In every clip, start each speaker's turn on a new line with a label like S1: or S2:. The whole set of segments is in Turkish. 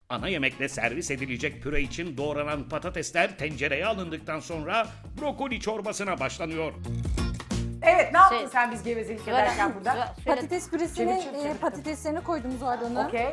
S1: Ana yemekle servis edilecek püre için doğranan patatesler tencereye alındıktan sonra brokoli çorbasına başlanıyor.
S2: Evet, ne yaptın sen biz gevezelik ederken burada?
S3: Patates püresine
S2: Çevir.
S3: patateslerini koydum Zuhal Hanım.
S2: Okey.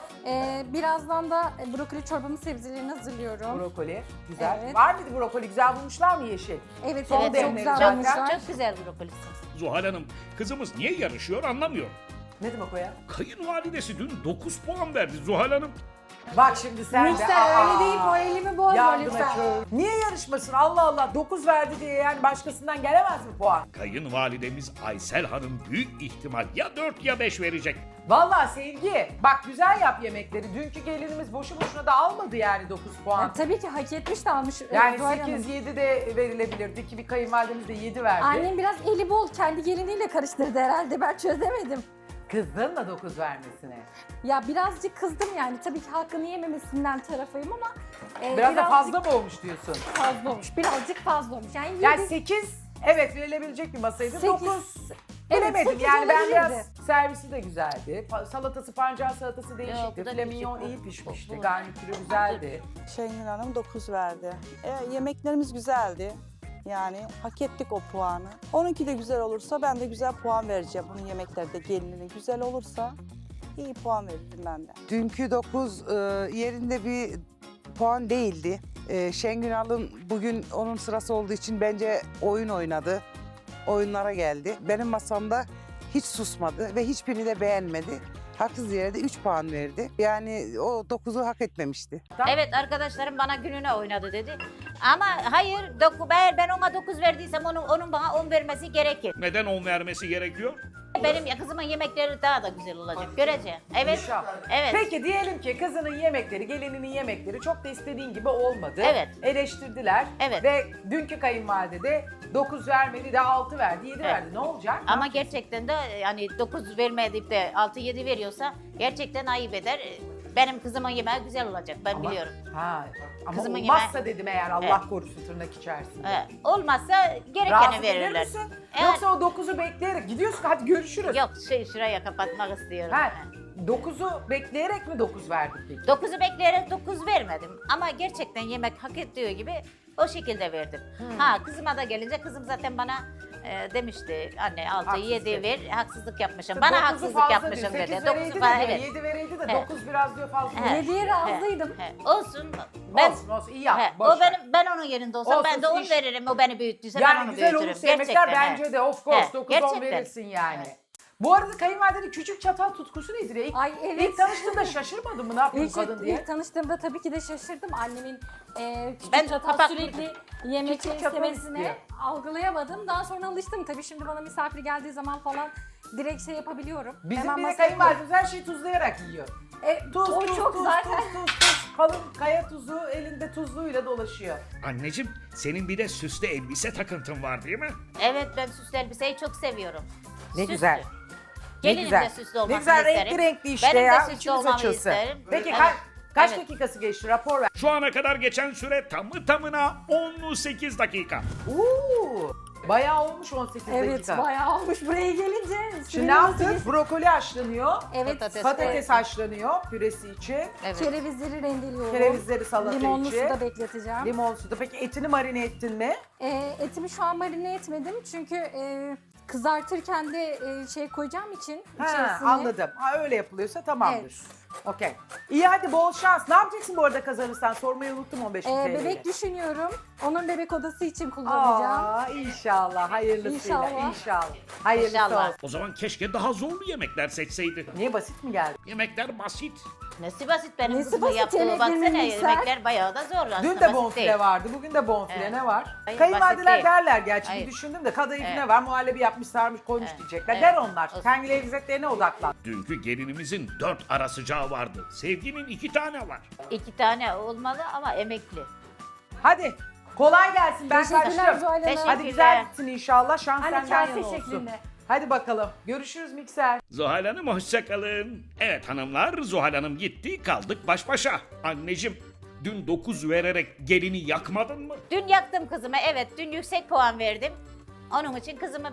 S3: Birazdan da brokoli çorbamın sebzelerini hazırlıyorum.
S2: Brokoli. Güzel.
S3: Evet.
S2: Var mıydı brokoli? Güzel bulmuşlar mı yeşil?
S3: Evet,
S2: Son
S3: evet, çok
S2: demleri
S3: güzel
S2: zaten.
S3: olmuşlar.
S4: Çok güzel brokolisi.
S1: Zuhal Hanım, kızımız niye yarışıyor anlamıyor.
S2: Ne demek o ya?
S1: Kayınvalidesi dün 9 puan verdi Zuhal Hanım.
S2: Bak şimdi sen de.
S3: Mikser öyle değil, moralimi bozma
S2: Yardım
S3: lütfen.
S2: et. Niye yarışmasın? Allah Allah 9 verdi diye yani başkasından gelemez mi puan?
S1: Kayınvalidemiz Aysel Hanım büyük ihtimal ya 4 ya 5 verecek.
S2: Vallahi Sevgi bak güzel yap yemekleri. Dünkü gelinimiz boşu boşuna da almadı yani 9 puan.
S3: Yani tabii ki hak etmiş de almış.
S2: Yani
S3: Zuhal Hanım.
S2: 8-7 de verilebilirdi ki bir kayınvalidemiz de 7 verdi.
S3: Annem biraz eli bol, kendi geliniyle karıştırdı herhalde, ben çözemedim.
S2: Kızdın mı 9 vermesine?
S3: Ya birazcık kızdım yani, tabii ki hakkını yememesinden tarafıyım ama
S2: Biraz da fazla mı olmuş diyorsun?
S3: fazla olmuş, birazcık fazla olmuş. Yani,
S2: Yani 8 evet verilebilecek bir masaydı. 9
S3: Evet,
S2: bilemedim
S3: 8
S2: yani ben biraz
S3: olabilirdi.
S2: servisi de güzeldi. Salatası pancar salatası
S4: Yok,
S2: değişikti.
S4: bu da
S2: File mignon
S4: küçük.
S2: iyi pişmişti.
S4: Bu.
S2: Garnitürü güzeldi.
S5: Şengül Hanım 9 verdi. Yemeklerimiz güzeldi. Yani hak ettik o puanı. Onunki de güzel olursa ben de güzel puan vereceğim. Bunun yemekleri de gelininin güzel olursa iyi puan veririm ben de.
S6: Dünkü 9 yerinde bir puan değildi. Şengül Hanım bugün onun sırası olduğu için bence oyun oynadı. Oyunlara geldi. Benim masamda hiç susmadı ve hiçbirini de beğenmedi. Haksız yere de 3 puan verdi. Yani o 9'u hak etmemişti.
S4: Evet, arkadaşlarım bana gününe oynadı dedi. Ama hayır, eğer ben ona 9 verdiysem onun bana 10 vermesi gerekir.
S1: Neden 10 vermesi gerekiyor?
S4: Benim kızımın yemekleri daha da güzel olacak. Göreceğim. Evet.
S2: İnşallah.
S4: Evet.
S2: Peki diyelim ki kızının yemekleri, gelininin yemekleri çok da istediğin gibi olmadı.
S4: Evet.
S2: Eleştirdiler.
S4: Evet.
S2: Ve dünkü kayınvalide de 9 vermedi de 6 verdi, 7 verdi. Ne olacak?
S4: Ama gerçekten de yani 9 vermeyip de 6-7 veriyorsa gerçekten ayıp eder. Benim kızımın yemeği güzel olacak, ben biliyorum.
S2: Ha, ama
S4: Kızımın
S2: olmazsa
S4: yemeği-
S2: dedim eğer Allah korusun tırnak içerisinde.
S4: Olmazsa gerekeni
S2: Razı gelir
S4: verirler.
S2: misin?
S4: Eğer-
S2: Yoksa o 9'u bekleyerek gidiyorsun hadi görüşürüz.
S4: Yok, şuraya kapatmak istiyorum.
S2: Ha, 9'u bekleyerek mi 9 verdik peki?
S4: 9'u bekleyerek 9 vermedim. Ama gerçekten yemek hak ettiği gibi o şekilde verdim. Ha, kızıma da gelince kızım zaten bana demişti anne 6
S2: Haksızlık.
S4: 7 ver, haksızlık yapmışım.
S2: 9'u
S4: Bana haksızlık
S2: fazla
S4: yapmışım
S2: diyor.
S4: dedi.
S2: 8
S4: 9'u
S2: vereydi
S4: falan,
S2: de
S4: evet.
S2: 7 vereydi de
S4: Evet.
S2: 9 biraz diyor fazla.
S4: He.
S3: 7'ye razıydım.
S4: Olsun. Ben,
S2: Olsun olsun iyi yap.
S4: he,
S2: boş
S4: o
S2: ver.
S4: ben onun yerinde olsam
S2: Olsun,
S4: ben de 10
S2: iş-
S4: veririm. O beni büyüttüyse ben
S2: Yani
S4: onu
S2: güzel
S4: büyütürüm.
S2: olursa yemekler
S4: Gerçekten,
S2: bence
S4: he.
S2: de of course
S4: He,
S2: 9-10
S4: gerçekten.
S2: verirsin yani. Bu arada kayınvalidenin küçük çatal tutkusu nedir ya?
S3: Ay, evet.
S2: İlk tanıştığında şaşırmadın mı ne yapıyor bu kadın diye?
S3: İlk tanıştığımda tabii ki de şaşırdım. Annemin küçük
S4: Ben
S3: çatal
S4: kapak-
S3: sürekli yemek
S2: Küçük çatal
S3: istemesine
S2: istiyor.
S3: algılayamadım. Daha sonra alıştım tabii, şimdi bana misafir geldiği zaman falan direkt şey yapabiliyorum.
S2: Bizim
S3: Hemen
S2: bir
S3: masaya
S2: kayınvalidemiz her şeyi tuzlayarak yiyor. Tuz,
S3: o
S2: tuz,
S3: çok
S2: tuz,
S3: zaten.
S2: tuz. Kalın kaya tuzu elinde tuzluğuyla dolaşıyor.
S1: Anneciğim, senin bir de süslü elbise takıntın var değil mi?
S4: Evet, ben süslü elbiseyi çok seviyorum.
S2: Ne
S4: Süslü.
S2: güzel. Ne
S4: Gelinim
S2: güzel.
S4: de süslü olmasını
S2: Ne güzel
S4: isterim.
S2: renkli renkli işte
S4: Benim
S2: ya.
S4: de süslü
S2: İçimiz
S4: olmamı
S2: açılsın.
S4: isterim.
S2: Peki
S4: Evet.
S2: kaç
S4: Evet.
S2: dakikası geçti rapor ver.
S1: Şu ana kadar geçen süre tamı tamına 18 dakika.
S2: Uuu bayağı olmuş 18
S3: Evet,
S2: dakika.
S3: bayağı olmuş buraya gelince.
S2: Şimdi ne yaptık? Brokoli haşlanıyor.
S3: Evet,
S2: Patates haşlanıyor püresi için.
S4: Evet.
S3: kerevizleri rendeliyorum.
S2: Kerevizleri salata
S3: Limonlu
S2: için.
S3: suda bekleteceğim.
S2: Limon suda. Peki etini marine ettin mi?
S3: Etimi şu an marine etmedim çünkü kızartırken de şey koyacağım için
S2: Ha,
S3: içerisine.
S2: anladım. Ha, öyle yapılıyorsa tamamdır.
S3: Evet.
S2: Okey. İyi hadi bol şans. Ne yapacaksın bu arada kazanırsan? Sormayı unuttum 15 bin TL'yi.
S3: Bebek düşünüyorum. Onun bebek odası için kullanacağım.
S2: Aa, inşallah. Hayırlısıyla.
S3: İnşallah.
S2: İnşallah. Hayırlısı
S4: İnşallah.
S2: olsun.
S1: O zaman keşke daha zorlu yemekler seçseydi.
S2: Niye basit mi geldi?
S1: Yemekler basit.
S4: Nesi basit benim
S3: Nesi
S4: kızımın
S3: basit,
S4: yaptığı,
S3: yemek
S4: baksana
S3: yememişler.
S4: yemekler bayağı da zor aslında.
S2: Dün de
S4: basit
S2: bonfile
S4: değil.
S2: vardı. Bugün de bonfile.
S4: Evet.
S2: Ne var?
S4: Hayır,
S2: Kayınvalideler
S4: basit değil.
S2: derler gerçi.
S4: Hayır.
S2: Bir düşündüm de kadayıf
S4: Evet.
S2: ne var? Muhallebi yapmış, sarmış, koymuş
S4: Evet.
S2: diyecekler.
S4: Evet.
S2: Der onlar.
S4: Olsun.
S2: Kendi lezzetlerine odaklan.
S1: Dünkü gelinimizin 4 ara sıcağı vardı. Sevginin 2 tane var.
S4: 2 tane olmalı ama emekli.
S2: Hadi. Kolay gelsin. Ben
S3: Teşekkürler
S2: kaçtım.
S3: Zuhal Hanım.
S4: Teşekkür-
S2: Hadi güzel gitsin inşallah. Şans
S3: Hani
S2: senden
S3: kase
S2: yana olsun.
S3: şeklinde.
S2: Hadi bakalım. Görüşürüz mikser.
S1: Zuhal Hanım hoşçakalın. Evet hanımlar, Zuhal Hanım gitti, kaldık baş başa. Anneciğim, dün 9 vererek gelini yakmadın mı?
S4: Dün yaktım kızımı, evet dün yüksek puan verdim. Onun için kızımı ben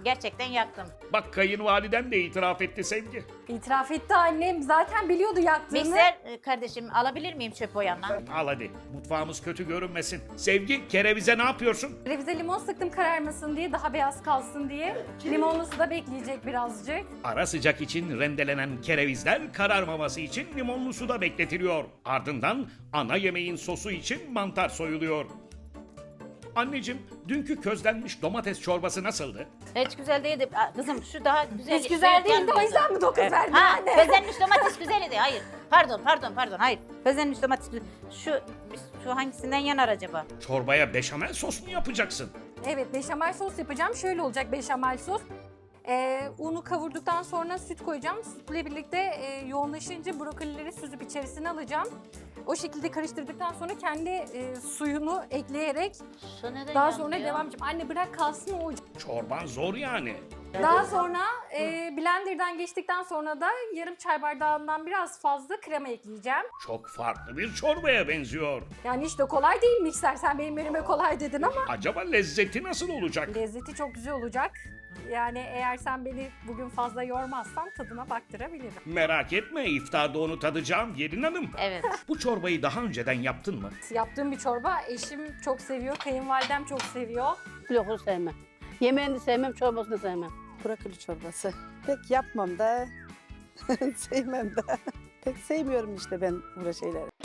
S4: Gerçekten yaktım.
S1: Bak kayınvaliden de itiraf etti Sevgi.
S3: İtiraf etti annem. Zaten biliyordu yaktığını.
S4: Mikser kardeşim alabilir miyim çöp o yanına?
S1: Al hadi mutfağımız kötü görünmesin. Sevgi kerevize ne yapıyorsun?
S3: Revize limon sıktım kararmasın diye, daha beyaz kalsın diye. Limonlu suda bekleyecek birazcık.
S1: Ara sıcak için rendelenen kerevizler kararmaması için limonlu suda bekletiliyor. Ardından ana yemeğin sosu için mantar soyuluyor. Anneciğim, dünkü közlenmiş domates çorbası nasıldı?
S4: Hiç güzel değildi. Kızım şu daha güzel.
S3: Hiç güzel değildi, o yüzden mi 9 verdin
S4: Ha,
S3: anne?
S4: közlenmiş domates güzeldi. Hayır. Pardon. Hayır. Közlenmiş domates güzel. Şu hangisinden yanar acaba?
S1: Çorbaya beşamel sos mu yapacaksın?
S3: Evet, beşamel sos yapacağım. Şöyle olacak beşamel sos. Unu kavurduktan sonra süt koyacağım. Sütle birlikte yoğunlaşınca brokolileri süzüp içerisine alacağım. O şekilde karıştırdıktan sonra kendi suyunu ekleyerek
S4: Şu neden
S3: daha
S4: yandı
S3: sonra
S4: ya?
S3: devam edeceğim. Anne bırak kalsın o.
S1: Çorban zor yani.
S3: Daha sonra blenderdan geçtikten sonra da yarım çay bardağından biraz fazla krema ekleyeceğim.
S1: Çok farklı bir çorbaya benziyor.
S3: Yani işte kolay değil mikser. Sen benim elime kolay dedin ama
S1: Acaba lezzeti nasıl olacak?
S3: lezzeti çok güzel olacak. Yani eğer sen beni bugün fazla yormazsan tadına baktırabilirim.
S1: Merak etme, iftarda onu tadacağım Gelin Hanım.
S4: Evet.
S1: Bu çorbayı daha önceden yaptın mı?
S3: Yaptığım bir çorba eşim çok seviyor, kayınvalidem çok seviyor.
S7: Pilavı sevmem. Yemeğini de sevmem, çorbasını da sevmem.
S5: Brokoli çorbası. Pek yapmam da sevmem de. Pek sevmiyorum işte ben böyle şeyleri.